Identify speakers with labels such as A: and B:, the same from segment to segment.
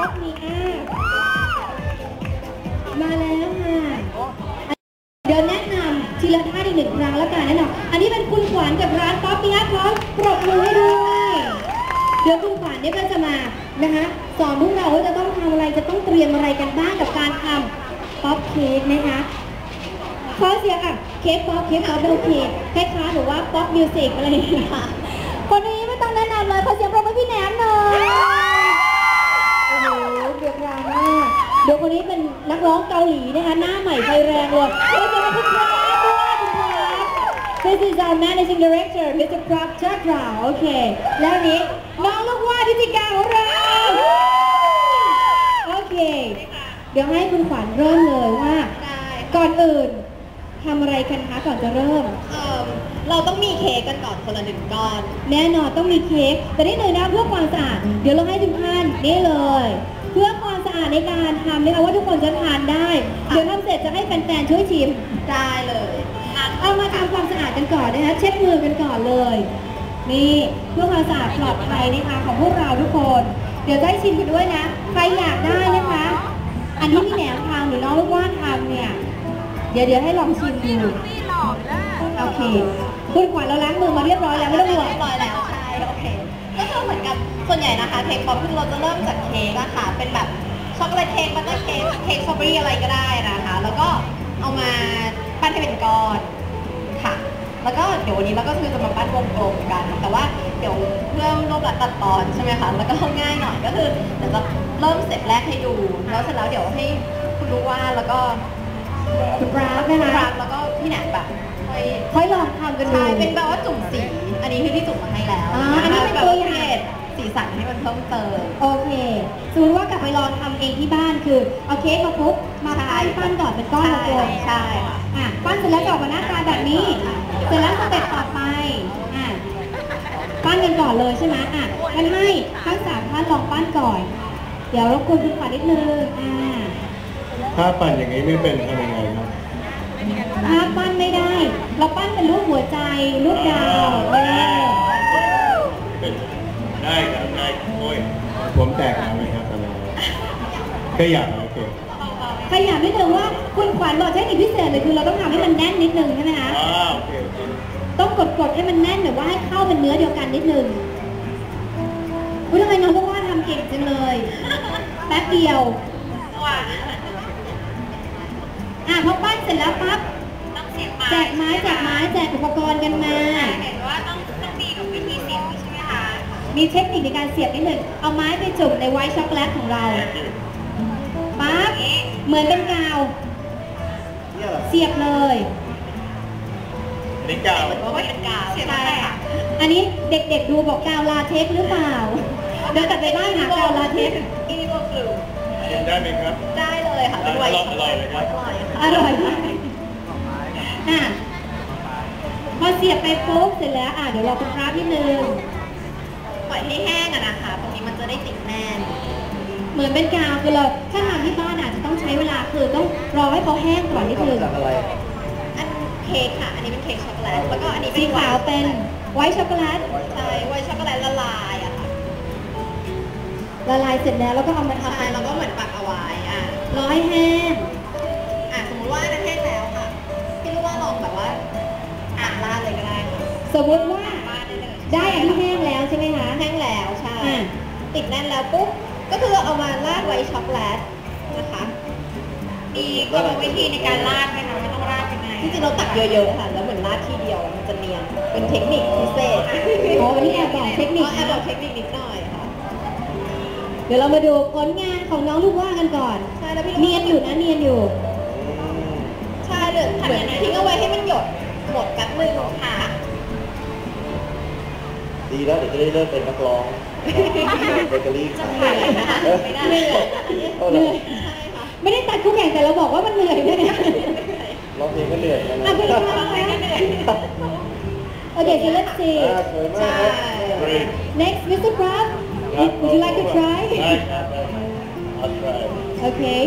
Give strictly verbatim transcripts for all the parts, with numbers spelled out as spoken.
A: ป๊อปมีอ่ะมาแล้วค่ะเดี๋ยวแนะนำทีละท่าอีกหนึ่งครั้งแล้วกันแน่นอนอันนี้เป็นคุณขวัญกับร้านป๊อปปี้พร้อมปรบมือให้ด้วยเดี๋ยวคุณขวัญเนี่ยก็จะมานะคะสอนพวกเราว่าจะต้องทำอะไรจะต้องเตรียมอะไรกันบ้างกับการทำป๊อปเค้กนะคะขอเสียงอ่ะเค้กป๊อปเค้กป๊อปโอเคคล้ายๆหรือว่าป๊อปมิวสิกอะไรอย่างเงี้ยค่ะคนนี้ไม่ต้องแนะนำเลยขอเสียงปรบมือพี่แหนมหน่อยโอ้โหเดือดร้อนมากเดี๋ยวคนนี้เป็นนักร้องเกาหลีนะคะหน้าใหม่ไฟแรงเลยขอเสียงคุณพระด้วยคุณพระ This is our managing director มิสเตอร์ Prab Chakra โอเคแล้วนี้น้องลูกว่าพิธีการของเราโอเคเดี๋ยวให้คุณขวัญเริ่มเลยว่าก่อนอื่นทำอะไรกันคะก่อนจะเริ่มเอ่อเราต้องมีเค้กกันก่อนคนละหนึ่งก้อนแน่นอนต้องมีเค้กแต่ได้เลยนะเพื่อความสะอาดเดี๋ยวเราให้ทุกท่านนี่เลยเพื่อความสะอาดในการทำนะคะว่าทุกคนจะทานได้เดี๋ยวทำเสร็จจะให้แฟนๆช่วยชิมได้เลยเอามาทำความสะอาดกันก่อนนะคะเช็ดมือกันก่อนเลยนี่เพื่อความสะอาดปลอดภัยนะคะของพวกเราทุกคนเดี๋ยวจะให้ชิมกันด้วยนะใครอยากได้นะคะอันนี้พี่แหนมทำหรือน้องลูกว่านทำเนี่ยเดี๋ยวเดี๋ยวให้ลองชิมดูโอเคคุณขวัญเราล้างมือมาเรียบร้อยแล้วไม่ต้องห่วงเรียบร้อยแล้วใช่โอเคก็คือเหมือนกับส่วนใหญ่นะคะเค้กป๊อปคือเราจะเริ่มจากเค้กอะค่ะเป็นแบบช็อกโกแลตเค้กบัตเตอร์เค้กเค้กสตรอเบอรี่อะไรก็ได้นะคะแล้วก็เอามาปั้นให้เป็นก้อนค่ะแล้วก็เดี๋ยววันนี้เราก็คือจะมาปั้นวงกลมกันแต่ว่าเดี๋ยวเพื่อรูปลักษณ์ตัดตอนใช่ไหมคะแล้วก็ง่ายหน่อยก็คือเดี๋ยวจะเริ่มเสร็จแรกให้ดูแล้วเสร็จแล้วเดี๋ยวให้คุณรู้ว่าแล้วก็คุณปราบนะคะแล้วก็พี่แหนมแบบค่อยลองทำกันดูใช่เป็นแบบว่าจุ่มสีอันนี้คือที่จุ่มมาให้แล้วอันนี้เป็นตัวอย่างสีสันให้มันเพิ่มเติมโอเคสมมติว่ากลับไปลองทำเองที่บ้านคือเอาเค้กมาปุ๊บมาปั้นปั้นก่อนเป็นก้อนกลมใช่อ่ะปั้นเสร็จแล้วจะออกมาหน้าตาแบบนี้เสร็จแล้วสเต็ปต่อไปอ่ะปั้นกันก่อนเลยใช่ไหมอ่ะงั้นให้ทั้งสามท่านลองปั้นก่อนเดี๋ยวรบกวนคุณขวัญนิดนึงอ่า
B: ถ้าปั่นอย่างนี้ไม่เป็นทำยังไงครับ
A: ถ้าปั้นไม่ได้เราปั้นเป็นรูปหัวใจรูปดาวเออ
B: ได้ครับได้โอ้ยผมแตกแล้วไหมครับตอนนี้แค่อยากโอเค
A: ใครอยากนิดนึงว่าคุณขวัญบอกเทคนิคพิเศษเลยคือเราต้องทำให้มันแน่นนิดนึงใช่ไหมคะ
B: อ๋อโอเค
A: ต้องกดๆให้มันแน่นหรือว่าให้เข้าเป็นเนื้อเดียวกันนิดนึงคุณทำไมน้องบอกว่าทำเก่งจังเลยแป๊บเดียวอ่ะพอปั้นเสร็จแล้วปั๊บแจกไม้แจกไม้แจกอุปกรณ์กันมาเห็นว่าต้องต้องมีกับวิธีเสียบใช่ไหมคะมีเทคนิคในการเสียบนิดหนึ่งเอาไม้ไปจุ่มในไวท์ช็อกโกแลตของเราปั๊บเหมือนเป็นกาวเสียบเลย
B: นี่กาว
A: เหมือนว่าเป็นกาวใช่ค่ะอันนี้เด็กๆดูบอกกาวลาเทคหรือเปล่าเดี๋ยวกลับไปบ้านหากาวลาเทคอีโบกลู
B: กินได้ไหมครับ
A: ได้เลยค่ะเป็นไวท์ช็อกโกแลตอร่อยอ่ะพอเสียบไปปุ๊บเสร็จแล้วอ่ะเดี๋ยวเราคุณพระนิดนึงปล่อยให้แห้งอะนะคะตรงนี้มันจะได้ติดแน่นเหมือนเป็นกาวคือเราถ้าทำที่บ้านอาจจะต้องใช้เวลาคือต้องรอให้เขาแห้งก่อนนิดนึงอันเค้กค่ะอันนี้เป็นเค้กช็อกโกแลตแล้วก็อันนี้สีขาวเป็นไวท์ช็อกโกแลตใช่ไวท์ช็อกโกแลตละลายอะค่ะละลายเสร็จแล้วแล้วก็เอามาทำแล้วก็เหมือนปักเอาไว้อ่ะรอให้แห้งอ่ะสมมติว่าอันนั้นแห้งแล้วค่ะพี่รู้ว่าลองแบบว่าอ่านลาดเลยก็ได้ค่ะสมมติว่าได้อันที่แห้งแล้วใช่ไหมคะแห้งแล้วใช่ติดแน่นแล้วปุ๊บก็คือเอามาราดไว้ช็อกโกแลตนะคะมีกรรมวิธีในการราดไหมคะไม่ต้องราดยังไงจริงๆเราตักเยอะๆค่ะแล้วเหมือนราดทีเดียวมันจะเนียนเป็นเทคนิคพิเศษอ๋อวันนี้แอบบอกเทคนิคแอบบอกเทคนิคนิดหน่อยค่ะเดี๋ยวเรามาดูผลงานของน้องลูกว่ากันก่อนใช่แล้วพี่เนียนอยู่นะเนียนอยู่ใช่เดี๋ยวเหมือนทิ้งเอาไว้ให้มันหยดหมดแป๊บนึงค่ะ
B: ดีแล้วเดี๋ยวจะได้เริ่มเป็นนักร้องเบเกอรี่ขาย
A: นะคะเหนื่อยเหนื่อยไม่ได้ตัดทุกอย่างแต่เราบอกว่ามันเหนื่อยด้วยนะ
B: ร้องเพลงก็เหนื่อยนะ
A: อ่ะเพลงก็เหนื่อยโอเค so let's see
B: ใช่
A: next Mister Prab would you like to try
B: I'll try
A: okay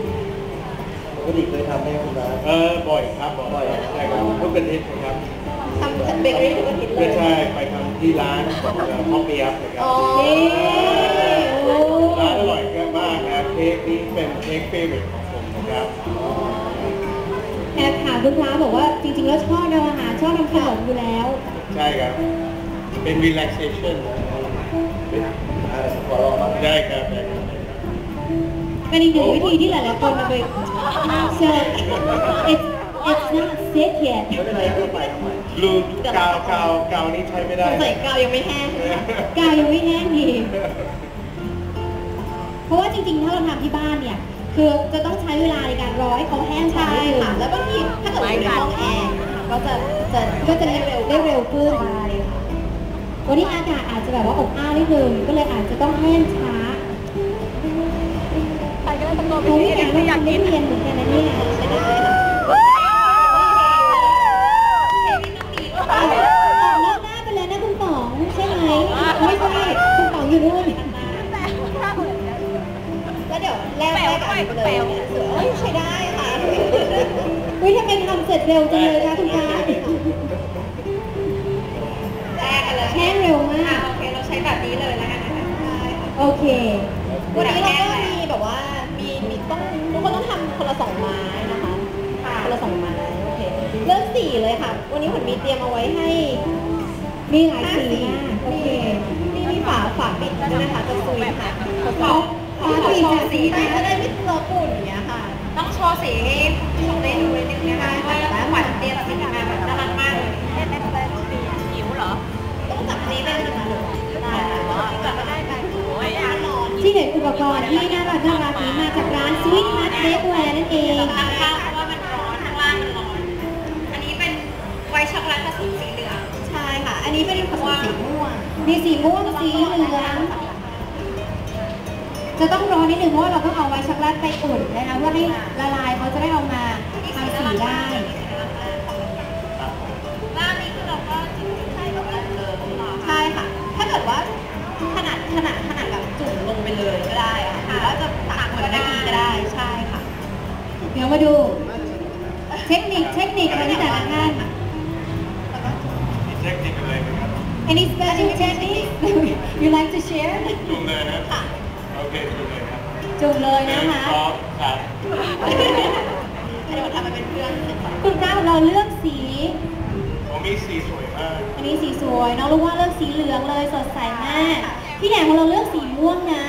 B: ปกติเคยทำไหมคุณน้าเออบ่อยครับบ่อยใช่ครับทุกอาทิตย์ครับ
A: ทำเบเกอรี่ทุกอาทิตย์เล
B: ไม่
A: ย
B: ใช่ไปทำที่ร้านของพ่อเปียบนะครับ
A: อ๋อโอ้
B: ร้านอร่อยมากนะเค้กนี้เป็นเค้กเฟเวอร์ของผมนะครับ
A: แอบถามคุณพระบอกว่าจริงๆแล้วชอบทำอาหารชอบทำขนมอยู่แล้ว
B: ใช่ครับ เป็น relaxation เป็นขอลองบ้างได้ครับได้ครับ
A: เป็นอีกหนึ่งวิธีที่หลายๆคนเอาไป so it's it's not sick yet
B: ไม่เป็นไรก็ไปทำไมรูกาวกาวกาวนี้ใช้ไม่ได้
A: ใส่กาวยังไม่แห้งกาวยังไม่แห้งดีเพราะว่าจริงๆถ้าเราทำที่บ้านเนี่ยคือจะต้องใช้เวลาในการรอให้เขาแห้งใช่ค่ะแล้วบางทีถ้าเกิดอยู่ในห้องแอร์ก็จะจะก็จะได้เร็วได้เร็วขึ้นใช่ค่ะวันนี้อากาศอาจจะแบบว่าอบอ้าวนิดนึงก็เลยอาจจะต้องแห้งช้าไปก็ตะโกนไปที่อยากอยากกินเรียนเหมือนกันนะเนี่ยใช่ได้ค่ะออกนอกหน้าไปเลยนะคุณป๋องใช่ไหมไม่ใช่คุณป๋องอยู่นู่นแล้วเดี๋ยวแลกแลกกันไปเลยเสือเอ้ยใช้ได้ค่ะอุ้ยทำไมทำเสร็จเร็วจังเลยคะคุณป้าแลกกันเลยแห้งเร็วมากโอเคเราใช้แบบนี้เลยแล้วกันนะคะโอเควันนี้เราก็มีแบบว่ามีมีต้องทุกคนต้องทำคนละสองไม้นะคะคนละสองไม้โอเคเลือกสีเลยค่ะวันนี้ผมมีเตรียมเอาไว้ให้มีหลายสีมากโอเคมีมีฝาฝาปิดด้วยนะคะจะซุยค่ะเขาเขาขอโชว์สีนะจะได้ไม่เลอะปุ่นอย่างเงี้ยค่ะต้องโชว์สีให้ผู้ชมได้ดูนิดนึงนะคะว่าขวัญเตรียมสีมาแบบน่ารักมากเลยเล่นเล่นเล่นหิวเหรอต้องจับนี้ได้เลยนะได้จับก็ได้ไปโอ้ยที่เห็นอุปกรณ์ที่น่ารักน่ารักนี้มาจากร้าน Sweet Heart Bakeware นั่นเองข้างข้างเพราะว่ามันร้อนข้างล่างมันร้อนอันนี้เป็นไวท์ช็อกโกแลตผสมสีเหลืองใช่ค่ะอันนี้เป็นผสมสีม่วงมีสีม่วงสีเหลืองจะต้องร้อนนิดนึงเพราะว่าเราต้องเอาไวท์ช็อกโกแลตไปอุ่นนะคะเพื่อให้ละลายเขาจะได้เอามาทำสีได้ร้านนี้คือเราก็ใช้ช็อกโกแลตเลยใช่ค่ะถ้าเกิดว่าขนาดขนาดขนาดแบบจุ่มลงไปเลยก็ได้ค่ะหรือว่าจะตักเหมือนเมื่อกี้ก็ได้ใช่ค่ะเดี๋ยวมาดูเทคนิคเทคนิคของแต่ละท่าน
B: มีเทคนิคอะไรไหมครับ
A: Any special technique you like to share
B: จุ่มเลยนะโอเคจุ่มเลยครับ
A: จุ่มเลยนะคะ
B: พร้อมครับ
A: อันนี้เราทำมาเป็นเพื่อนคุณเจ้าเราเลือกสี
B: ผมมีสีสวยมาก
A: อันนี้สีสวยน้องรู้ว่าเลือกสีเหลืองเลยสดใสมากพี่แหนมของเราเลือกสีม่วงนะ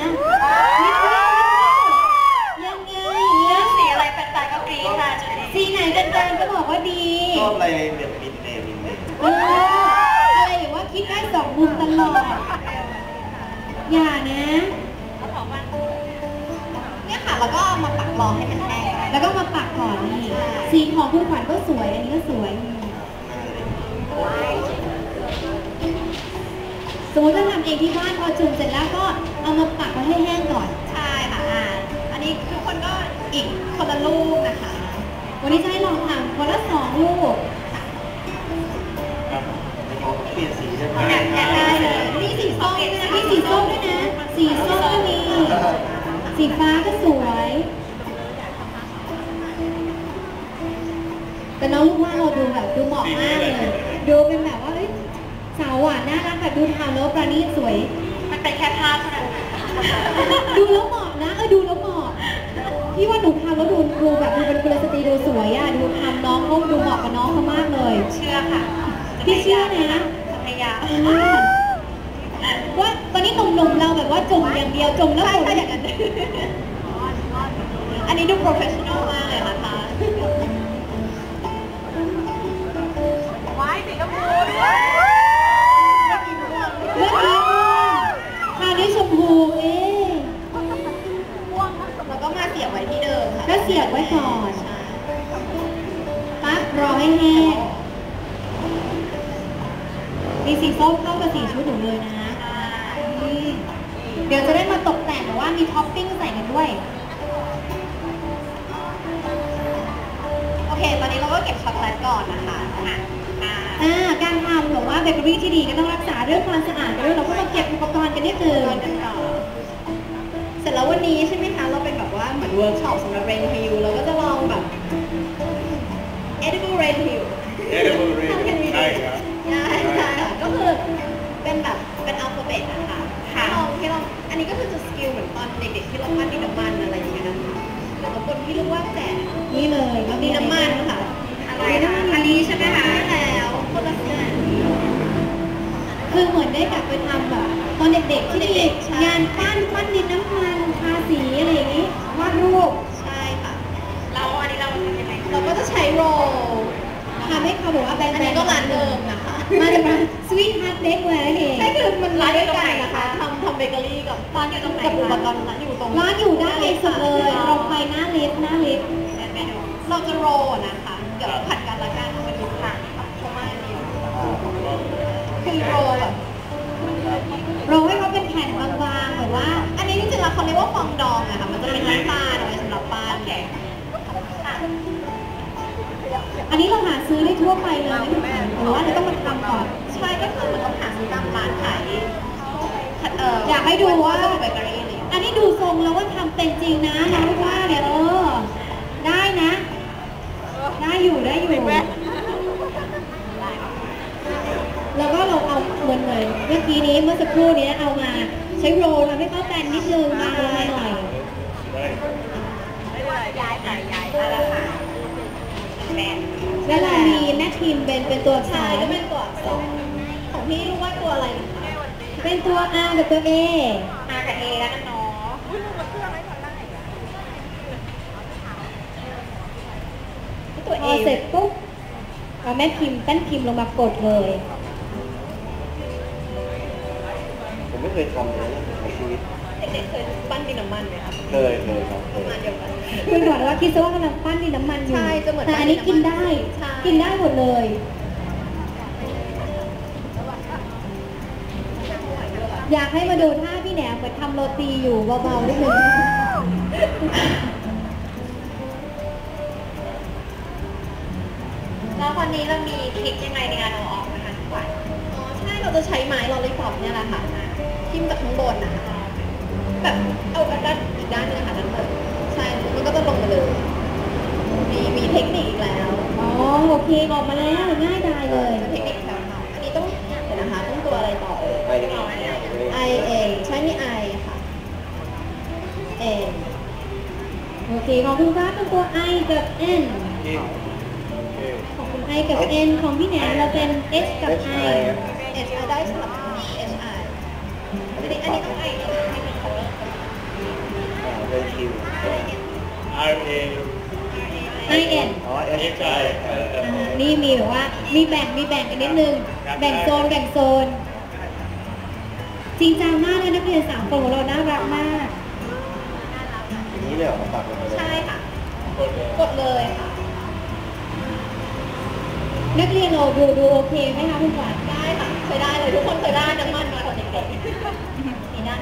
A: ยังไงเลือกสีอะไรแฟนๆก็กรี๊ดค่ะสีไหนแฟนๆก็บอกว่าดี
B: ชอบอะไรแบบมินเนมินเน
A: เอออะไรหรือว่าคิดได้สองมุมตลอดอย่านะเนี่ยค่ะแล้วก็มาปักรองให้มันแห้งแล้วก็มาปักก่อนนี่สีของคุณขวัญก็สวยอันนี้ก็สวยสมมติถ้าทำเองที่บ้านพอจุ่มเสร็จแล้วก็เอามาปักไว้ให้แห้งก่อนใช่ค่ะอ่าอันนี้ทุกคนก็อีกคนละลูกนะคะวันนี้จะให้ลองทำคนละสองลูก
B: เปลี่ยนสีได้ไหม
A: ได้เลยนี่สีส้มด้วยนะนี่สีส้มด้วยนะสีส้มก็มีสีฟ้าก็สวยแต่น้องลูกว่าเราดูแบบดูเหมาะมากเลยดูเป็นแบบว่าสาวหวานน่ารักแบบดูทำแล้วประณีตสวยมันเป็นแค่ภาพเท่านั้นดูแล้วเหมาะนะเออดูแล้วเหมาะพี่ว่าหนูทำแล้วดูดูแบบดูเป็นกุลสตรีดูสวยอ่ะดูทำน้องเขาดูเหมาะกับน้องเขามากเลยเชื่อค่ะพี่เชื่อนะพยายามว่าตอนนี้หนุ่มๆเราแบบว่าจุ่มอย่างเดียวจุ่มแล้วจุ่มอย่างนั้นอันนี้ดูโปรเฟชชั่นอลมากเลยนะคะไว้สีกระพูด้วยเมื่อกี้ทาด้วยชมพูเอ๊ะแล้วก็มาเสียบไว้ที่เดิมค่ะก็เสียบไว้ก่อนปั๊บรอให้แห้งมีสีส้มเข้ากับสีชุดหนูเลยนะเดี๋ยวจะได้มาตกแต่งแต่ว่ามีท็อปปิ้งใส่กันด้วยโอเคตอนนี้เราก็เก็บช็อกโกแลตก่อนนะคะอ่าการทำแบบว่าเบเกอรี่ที่ดีก็ต้องรักษาเรื่องความสะอาดด้วยเราก็มาเก็บอุปกรณ์กันนิดนึงเสร็จแล้ววันนี้ใช่ไหมคะเราเป็นแบบว่าเหมือนเวิร์กช็อปสำหรับเรนฮิลเราก็จะลองแบบ edible rain hill
B: เอเดอร์เรนได้ครับ
A: ได้ใช่ค่ะก็คือเป็นแบบเป็นอัลฟาเบตนะคะที่ลองที่ลองอันนี้ก็คือจะสกิลเหมือนตอนเด็กๆที่เราปั้นดินน้ำมันอะไรอย่างเงี้ยนะคะแล้วก็คนที่รู้ว่าแจกนี่เลยดินน้ำมันค่ะอะไรนะอันนี้ใช่ไหมคะใช่แล้วคนละส่วนคือเหมือนได้กลับไปทำแบบตอนเด็กๆที่เด็กงานปั้นปั้นดินน้ำมันทาสีอะไรอย่างงี้วาดรูปใช่ค่ะเราอันนี้เราทำยังไงเราก็จะใช้โรลทำให้เขาบอกว่าแบรนด์อันนี้ก็ร้านเดิมนะคะมาจากร้านสวีทฮาร์ดเบเกอร์นั่นเองใช่คือมันร้านด้วยกันนะคะทำทำเบเกอรี่กับร้านอยู่ตรงไหนกับอุปกรณ์ร้านอยู่ตรงร้านอยู่ด้านในสุดเลยตรงไปหน้าลิฟต์หน้าลิฟต์เราจะโรลนะคะเดี๋ยวเราผัดกันละกันมาดูค่ะเพราะว่าอันนี้คือโรลแบบโรลให้เขาเป็นแผ่นบางๆแบบว่า อันนี้จริงๆแล้วเขาเรียกว่าฟองดองอะค่ะมันจะเป็นน้ำตาลเอาไว้สำหรับปั้นอันนี้เราหาซื้อได้ทั่วไปเลยหรือว่าเราต้องมาทำก่อนใช่ก็คือเหมือนต้องหาซื้อตามร้านขายอยากให้ดูว่าเบเกอรี่เลยอันนี้ดูทรงแล้วว่าทำเป็นจริงนะน้องว่าเนี่ยเออได้นะ ได้อยู่ได้อยู่แล้วก็เราเอาเหมือนเหมือนเมื่อกี้นี้เมื่อสักครู่นี้เอามาใช้โรลทำให้เข้ากันนิดนึงมาเลยหน่อยย้ายไปย้ายมาแล้วค่ะแล้วเรามีแม่ทีมเป็นเป็นตัวชายก็เป็นตัวอักษรของพี่รู้ว่าตัวอะไรเป็นตัว R กับตัว A R กับ A แล้วกันเนาะตัว A เสร็จปุ๊บเอาแม่พิมพ์แป้นพิมพ์ลงมากดเลย
B: ผมไม่เคยทำเลยในชีวิต
A: เด็กๆเคยปั้นดินน้ำมันไหมคะ
B: เคยเคยครับเคย
A: มาเดียวกันคุณบอกว่าคิดซะว่ากำลังปั้นดินน้ำมันอยู่ใช่จะเหมือนแต่อันนี้กินได้กินได้หมดเลยอยากให้มาดูท่าพี่แหนมเหมือนทำโรตีอยู่เบาๆนิดนึงแล้ววันนี้เรามีทริคยังไงในการเอาออกนะคะทุกวันอ๋อใช่เราจะใช้ไม้ลอลลี่ป๊อปเนี่ยแหละค่ะทิ่มจากข้างบนนะคะแบบเอาด้านอีกด้านนึงค่ะด้านบนใช่มันก็จะลงมาเลยมีมีเทคนิคอีกแล้วอ๋อโอเคออกมาแล้วง่ายดายเลยเทคนิคแถวๆอันนี้ต้องเดี๋ยวนะคะต้องตัวอะไรต่อเอ่ย I A ใช่นี่ I ค่ะ A โอเคของคุณฟ้าเป็นตัว I กับ N ของคุณ I กับ N ของพี่แหนมเราเป็น H กับ I H I ได้สลับ H I อันนี้อันนี้ต้อง I ให้มี color
B: เป็นคิว R A
A: I N
B: อ๋อ H I
A: นี่มีแบบว่ามีแบ่งมีแบ่งกันนิดนึงแบ่งโซนแบ่งโซนจริงจังมากเลยนักเรียนสามคนของเราน่ารักมาก
B: อย่างนี้เลยเหรอตัดลงไปเลย
A: ใช่ค่ะกดเลยค่ะนักเรียนเราดูดูโอเคไหมคะคุณขวัญได้ค่ะเคยได้เลยทุกคนเคยได้น้ำมันมาตอนเด็กๆนี่ด้าน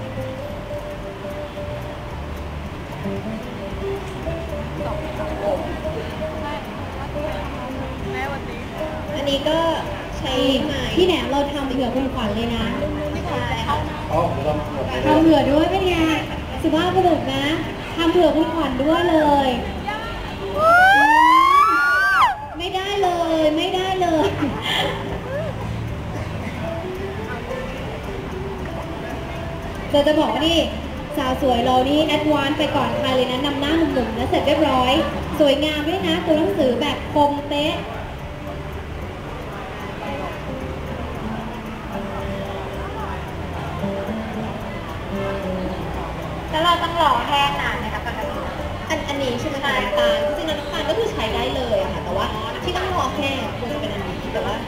A: อันนี้ก็ใช้ไม้ที่แหนมเราทำเผื่อคุณขวัญเลยนะใช่ค่ะ
B: อ๋อผมทำหมดเลย
A: ทำเผื่อด้วยเป็นไงสุภาพบุรุษนะทำเผื่อคุณขวัญด้วยเลยไม่ได้เลยไม่ได้เลยจะจะบอกว่านี่สาวสวยเรานี่แอดวานซ์ไปก่อนใครเลยนะนำหน้าหนุ่มๆแล้วเสร็จเรียบร้อยสวยงามด้วยนะตัวหนังสือแบบคมเป๊ะแล้วเราต้องรอแห้งนานไหมคะปกติอันอันนี้ใช่ไหมคะน้ำตาลจริงๆน้ำตาลก็คือใช้ได้เลยอะค่ะแต่ว่าที่ต้องรอแห้งควรจะเป็นอันนี้แต่ว่า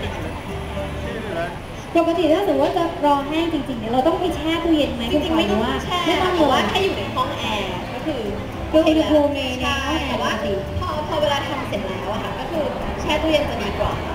A: ปกติถ้าสมมติว่าจะรอแห้งจริงๆเนี่ยเราต้องไปแช่ตู้เย็นไหมจริงๆไม่ต้องแช่ไม่ต้องว่าแค่อยู่ในห้องแอร์ก็คือดูอุณหภูมิในห้องแอร์แต่ว่าพอพอเวลาทำเสร็จแล้วอะค่ะก็คือแช่ตู้เย็นจะดีกว่า